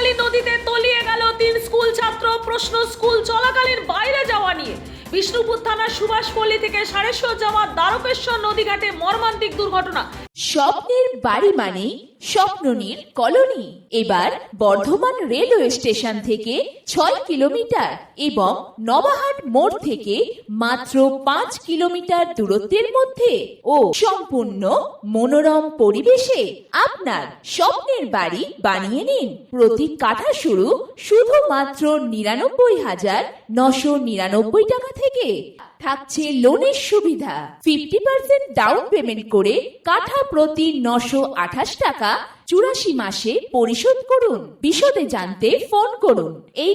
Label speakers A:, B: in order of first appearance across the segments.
A: চলাকালীন নদীতে তলিয়ে গেল 3 স্কুল ছাত্র। প্রশ্ন স্কুল চলাকালীন বাইরে যাওয়া নিয়ে। বিষ্ণুপুর থানার সুভাষপল্লী থেকে সারেশ্বর যাওয়া দ্বারকেশ্বর নদীঘাটে মর্মান্তিক দুর্ঘটনা।
B: স্বপ্নের বাড়ি মানে স্বপ্ননীর কলোনি। এবার বর্ধমান রেলওয়ে স্টেশন থেকে 6 কিলোমিটার এবং নবাহাট মোড় থেকে মাত্র 5 কিলোমিটার দূরত্বের মধ্যে ও সম্পূর্ণ মনোরম পরিবেশে আপনার স্বপ্নের বাড়ি বানিয়ে নিন। প্রতি কাঠা শুধুমাত্র 99,999 টাকা থেকে। থাকছে লোনের সুবিধা। 50% ডাউন পেমেন্ট করে কাঠা প্রতি 928 টাকা 84 মাসে পরিশোধ করুন। বিশদে জানতে ফোন করুন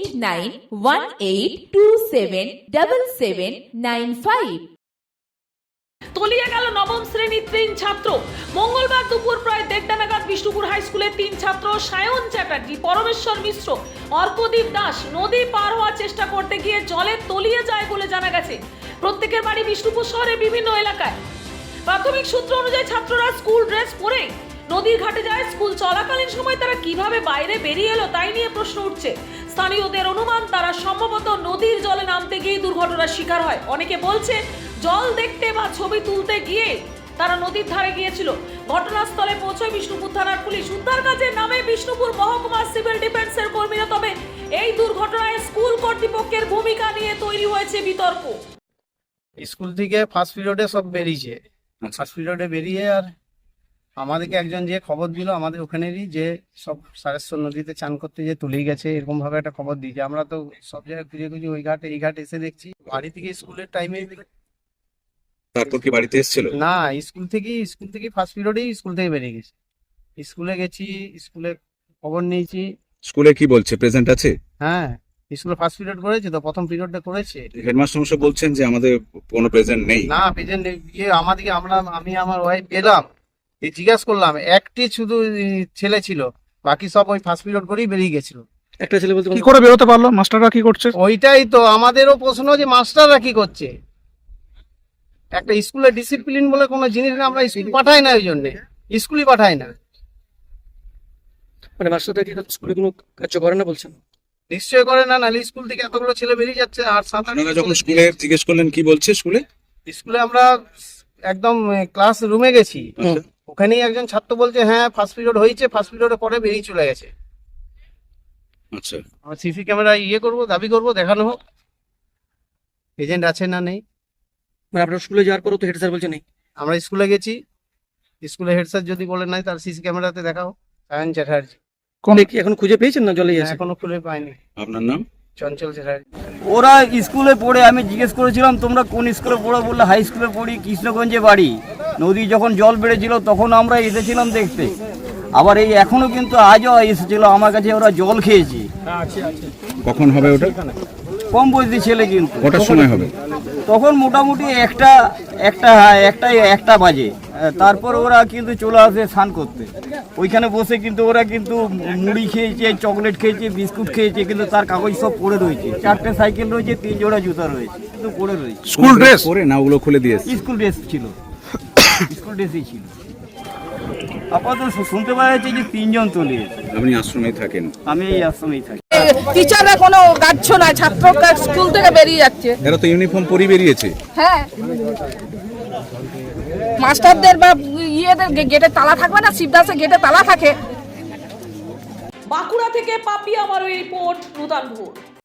B: 8918277795।
A: তলিয়ে গেল নবম শ্রেণীর 3 ছাত্র। মঙ্গলবার দুপুর প্রায় 1:30 নাগাদ বিষ্ণুপুর হাই স্কুলের 3 ছাত্র সায়ন চ্যাটার্জি, পরমেশ্বর মিশ্র, অর্কদীপ দাস নদী পার হওয়ার চেষ্টা করতে গিয়ে জলে তলিয়ে যায় বলে জানা গেছে। প্রত্যেকের বাড়ি বিষ্ণুপুর শহরের বিভিন্ন এলাকায়। প্রাথমিক সূত্র অনুযায়ী ছাত্ররা স্কুল ড্রেস পরে নদীর ঘাটে যায়। স্কুল চলাকালীন সময় তারা কিভাবে বাইরে বেরিয়ে এলো তাই নিয়ে প্রশ্ন উঠছে। স্থানীয়দের অনুমান তারা সম্ভবত নদীর জলে নামতে গিয়ে দুর্ঘটনার শিকার হয়। অনেকে বলছে জল দেখতে বা ছবি তুলতে গিয়ে তারা নদীর ধারে গিয়েছিল। ঘটনাস্থলে পৌঁছয় বিষ্ণুপুর থানার পুলিশ। উদ্ধার কাজে নামে বিষ্ণুপুর মহকুমা সিভিল ডিফেন্সের কর্মীরা। তবে এই দুর্ঘটনায় স্কুল কর্তৃপক্ষের ভূমিকা নিয়ে তৈরি হয়েছে বিতর্ক।
C: স্কুল থেকে ফার্স্ট পিরিয়ডে সব বেরিয়েছে। ফার্স্ট পিরিয়ডে বেরিয়ে আর আমাদেরকে একজন যে খবর দিল আমাদের ওখানেরই, যে সব সারেশ্বর নদীতে চান করতে যে তুলেই গেছে, এরকম ভাবে একটা খবর দিয়েছে। আমরা তো সব জায়গায় খুঁজে খুঁজে ওই ঘাটে এই ঘাটে এসে দেখছি। বাড়ি থেকে স্কুলের টাইমে,
D: তারপর কি বাড়িতে এসেছিল?
C: না, স্কুল থেকে ফার্স্ট পিরিয়ডেই স্কুল থেকে বেরিয়ে গেছে। স্কুলে গেছি, স্কুলে খবর নিয়েছি।
D: স্কুলে কি বলছে, প্রেজেন্ট আছে?
C: হ্যাঁ, স্কুলে ফার্স্ট পিরিয়ড করেছে তো, প্রথম পিরিয়ডটা করেছে।
D: হেডমাস্টার মশাই বলছেন যে আমাদের কোনো প্রেজেন্ট নেই।
C: না, প্রেজেন্ট গিয়ে আমাদেরকে আমি আমার ওয়াইফ পেলাম, জিজ্ঞাসা করলাম, একটি শুধু ছেলে ছিল, বাকি সব ওই ফার্স্ট পিরিয়ড করেই বেরিয়ে গেছিল।
E: একটা ছেলে বলতে
F: কি করে বেরোতে পারলো? মাস্টাররা কি করছে?
C: ওইটাই তো আমাদেরও প্রশ্ন, যে মাস্টাররা কি করছে। একটা স্কুলে ডিসিপ্লিন বলে কোনো জিনিস আমরা স্কুল পাঠাই না, ওই জন্য স্কুলই পাঠাই না।
E: মানে মাস্টাররা কি স্কুলে কোনো কাজ করে না বলছেন?
C: নিশ্চয় করে না, নাহলে স্কুল থেকে এতগুলো ছেলে বেরিয়ে যাচ্ছে। আর
D: আপনারা যখন স্কুলে জিজ্ঞেস করলেন কি বলছে? স্কুলে
C: আমরা একদম ক্লাস রুমে গেছি, ওখানেই একজন ছাত্র বলছে হ্যাঁ ফার্স্ট পিরিয়ড হয়েছে, ফার্স্ট পিরিয়ডের পরে বেরিয়ে চলে গেছে।
D: আচ্ছা,
C: আমরা সিসি ক্যামেরা দাবি করবো, দেখানো হোক এজেন্ট আছে না নেই।
E: মানে আপনার স্কুলে যাওয়ার পরও তো হেড স্যার বলছে নেই।
C: আমরা স্কুলে গেছি, স্কুলে হেড স্যার যদি বলে নাই, তার সিসি ক্যামেরাতে দেখাও। সায়ন চ্যাটার্জি।
E: কি এখন খুঁজে পেয়েছেন না জলেই আছে?
C: এখনো খুলে পাইনি।
D: আপনার নাম?
C: চঞ্চল চ্যাটার্জি।
G: ওরা স্কুলে পড়ে, আমি জিজ্ঞেস করেছিলাম তোমরা কোন স্কুলে পড়ো, বললে হাই স্কুলে পড়ি, কৃষ্ণগঞ্জে বাড়ি। নদী যখন জল বেড়েছিল তখন আমরা এসেছিলাম দেখতে। আবার এই এখনো কিন্তু আজও এসেছিল আমার কাছে, ওরা জল খেয়েছি।
D: কখন হবে ওটা?
G: কম বয়সী ছেলে কিন্তু।
D: কটার সময় হবে?
G: তখন মোটামুটি একটা বাজে। তারপর ওরা কিন্তু চলে আসে স্নান করতে। ওইখানে বসে কিন্তু ওরা কিন্তু মুড়ি খেয়েছে, চকলেট খেয়েছে, বিস্কুট খেয়েছে, কিন্তু তার কাগজ সব পড়ে রয়েছে। 4টে সাইকেল রয়েছে, 3 জোড়া জুতা রয়েছে, কিন্তু পড়ে রয়েছে।
D: স্কুল ড্রেস পরে না, ওগুলো খুলে দিয়েছে?
G: স্কুল ড্রেস ছিল, স্কুল ড্রেসই ছিল। আপাতত শুনতে পাওয়া যাচ্ছে যে 3 জন তলিয়েছে।
D: আপনি আশ্রমেই থাকেন?
G: আমি এই আশ্রমেই থাকি।
H: টিচাররা কোনো গাচ্ছ না, ছাত্ররা স্কুল থেকে বেরিয়ে যাচ্ছে।
D: এরা তো ইউনিফর্ম পরে বেরিয়েছে।
H: হ্যাঁ, মাস্টারদের বা ইয়েদের গেটে তালা থাকবে না? শিবদাসের গেটে তালা থাকে।
A: বাঁকুড়া থেকে পাপিয়া মারুই রিপোর্ট, নূতন ভোর।